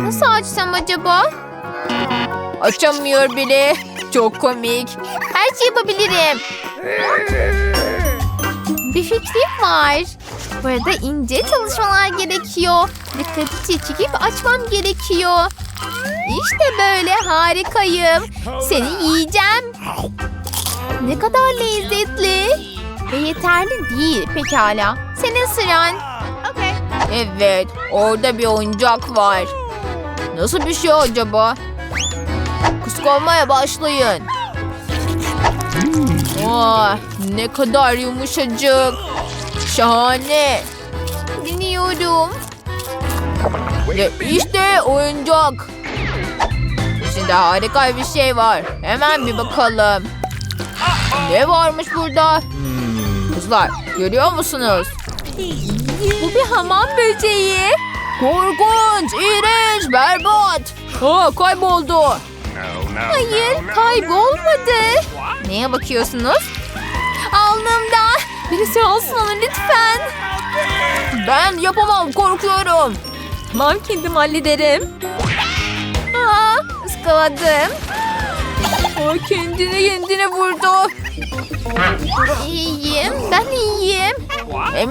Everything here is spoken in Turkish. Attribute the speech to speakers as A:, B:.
A: Nasıl açsam acaba? Açamıyor bile. Çok komik. Her şeyi yapabilirim. Bir fikrim var. Burada ince çalışmalar gerekiyor. Dikkati çekip açmam gerekiyor. İşte böyle harikayım. Seni yiyeceğim. Ne kadar lezzetli. Ve yeterli değil pekala. Senin sıran. Evet, orada bir oyuncak var. Nasıl bir şey acaba? Kıskanmaya başlayın. Oh, ne kadar yumuşacık. Şahane. Dinliyorum. Ve işte oyuncak. İçinde harika bir şey var. Hemen bir bakalım. Ne varmış burada? Kızlar, görüyor musunuz? Bu bir hamam böceği. Korkunç, iğrenç, berbat. Kayboldu. Hayır, kaybolmadı. Neye bakıyorsunuz? Alnımda. Birisi alsın onu lütfen. Ben yapamam, korkuyorum. Tamam, kendim hallederim. Iskaladım. Kendine vurdu. İyiyim, ben iyiyim.